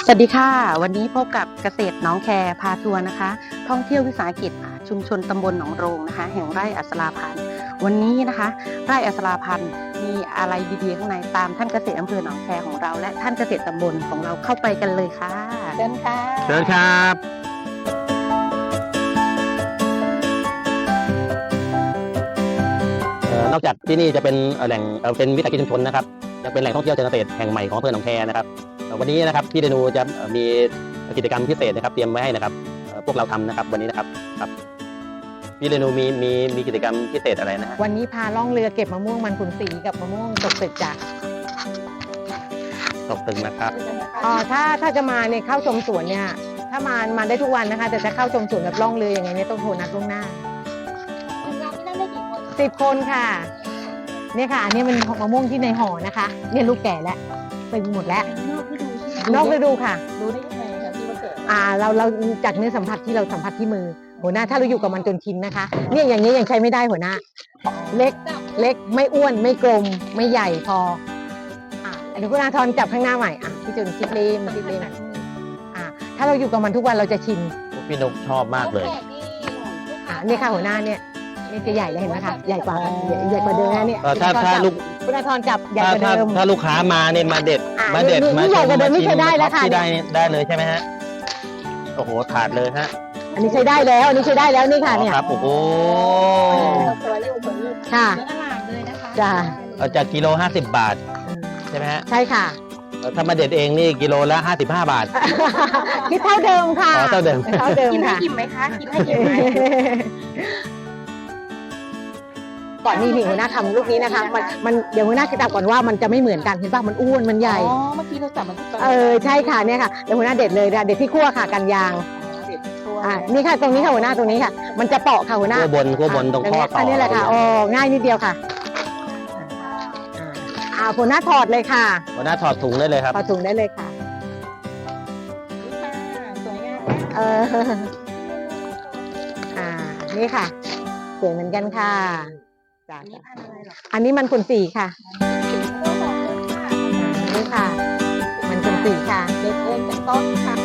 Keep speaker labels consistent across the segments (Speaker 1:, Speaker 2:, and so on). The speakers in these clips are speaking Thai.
Speaker 1: สวัสดีค่ะวันนี้พบกับเกษตรหนองแคพาทัวร์นะคะท่องเที่ยววิสาหกิจชุมชนตำบลหนองโรงนะคะแห่งไร่อัศราพันธ์วันนี้นะคะไร่อัศราพันธ์มีอะไรดีๆข้างในตามท่านเกษตรอำเภอหนองแคของเราและท่านเกษตรตำบลของเราเข้าไปกันเลยค่ะเชิญค่ะ
Speaker 2: เชิญครับนอกจากที่นี่จะเป็นแหล่งเป็นวิสาหกิจชุมชนนะครับยังเป็นแหล่งท่องเที่ยวเชิงเกษตรแห่งใหม่ของอำเภอหนองแคนะครับวันนี้นะครับพี่เรนูจะมีกิจกรรมพิเศษนะครับเตรียมไว้ให้นะครับพวกเราทำนะครับวันนี้นะครับพี่เรนูมีกิจกรรมพิเศษอะไรนะฮะ
Speaker 1: วันนี้พาล่องเรือเก็บมะม่วงมันขุนศรีกับมะม่วงตกตึกจ้ะ
Speaker 2: ตกตึงนะครับ
Speaker 1: ถ้าจะมาเนี่ยเข้าชมสวนเนี่ยถ้ามาได้ทุกวันนะคะแต่จะเข้าชมสวนแบบล่องเรืออย่างไงเนี่ยต้องโทรนัดล่วงหน้า10 คนค่ะเนี่ยค่ะอันนี้มันมะม่วงที่ในห่อนะคะเนี่ยลูกแก่แล้วตึงหมดแล้วนอกฤดูค่ะ
Speaker 3: รู้ได้ยังไงคะที่ว่าเกิด
Speaker 1: เราจากเนื้อสัมผัสที่เราสัมผัสที่มือหัวหน้าถ้าเราอยู่กับมันจนชินนะคะเนี่ยอย่างนี้ยังใช้ไม่ได้หัวหน้าเล็กไม่อ้วนไม่กลมไม่ใหญ่พอเดี๋ยวคุณอาทรจับข้างหน้าใหม่พี่จุนคิดเล่มถ้าเราอยู่กับมันทุกวันเราจะชิน
Speaker 2: พี่นุกชอบมากเลย
Speaker 1: นี่ค่ะหัวหน้าเนี่ยจะใหญ่เลยเห็นไหมคะใหญ่กว่าเดิมนะเนี่ย
Speaker 2: ถ้าลูก
Speaker 1: คุณอาทรจับใหญ่กว่าเดิม
Speaker 2: ถ้าลูกค้ามาเนี่ยมาเด็ด
Speaker 1: นี่ใหญ่กว่าเดิมนี่ใช้ได้แล้วค่ะ
Speaker 2: ได้เลยใช่ไหมฮะโอ้โหถาดเลยฮะ
Speaker 1: อันนี้ใช้ได้แล้วนี่ค่ะเนี่ย
Speaker 2: ครับโอ้โห
Speaker 1: ค่ะ
Speaker 3: เลยนะคะ
Speaker 1: จ้า
Speaker 2: จากกิโล50 บาทใช่ไหมฮะ
Speaker 1: ใช่ค่ะ
Speaker 2: ถ้ามาเด็ดเองนี่กิโลละ55 บาท
Speaker 1: คิดเท่าเดิมค่ะ
Speaker 2: เท่าเดิม
Speaker 3: กินให้อิ่มไหมคะกินให้อิ่มไหม
Speaker 1: ก่อนนี่หัวหน้าทำลูกนี้นะคะมันเดี๋ยวหัวหน้าจะจับก่อนว่ามันจะไม่เหมือนกันเห็นป่ะมันอ้วนมันใหญ่
Speaker 3: เมื่อกี้เราจับมัน
Speaker 1: ใช่ค่ะเนี่ยค่ะเดี๋ยวหัวหน้าเด็ดเลยเด็ดที่ขั้วค่ะกันยางนี่ค่ะตรงนี้ค่ะหัวหน้าตรงนี้ค่ะมันจะเปาะค่ะหัวหน้า
Speaker 2: ขั้วบนตรงข้อต่อ
Speaker 1: นี่แหละค่ะง่ายนิดเดียวค่ะหัวหน้าถอดเลยค่ะ
Speaker 2: หัวหน้าถอดถุงได้เลยครับ
Speaker 1: ถอดถุงได้เลยค่ะ
Speaker 3: สวยง
Speaker 1: ามนี่ค่ะสวยเหมือนกันค่ะอันนี้มันขุนศรีค่ะนี่ค่ะมันขุนศรีค่ะ
Speaker 3: เด็ดเองจากต้นค่ะ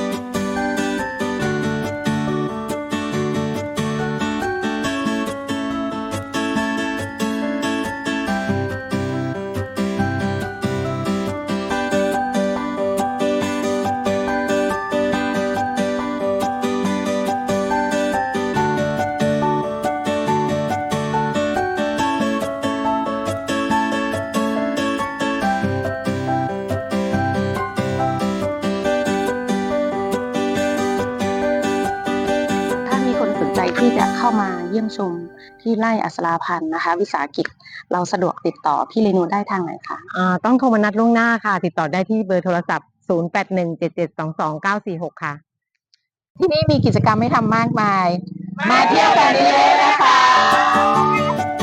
Speaker 1: ที่จะเข้ามาเยี่ยมชมที่ไร่อัศราพันธ์นะคะวิสาหกิจเราสะดวกติดต่อพี่เรนูได้ทางไหนคะต้องโทรมานัดล่วงหน้าค่ะติดต่อได้ที่เบอร์โทรศัพท์0817722946ค่ะที่นี่มีกิจกรรมให้ทำมากมายมาเที่ยวกันเยอะๆนะคะ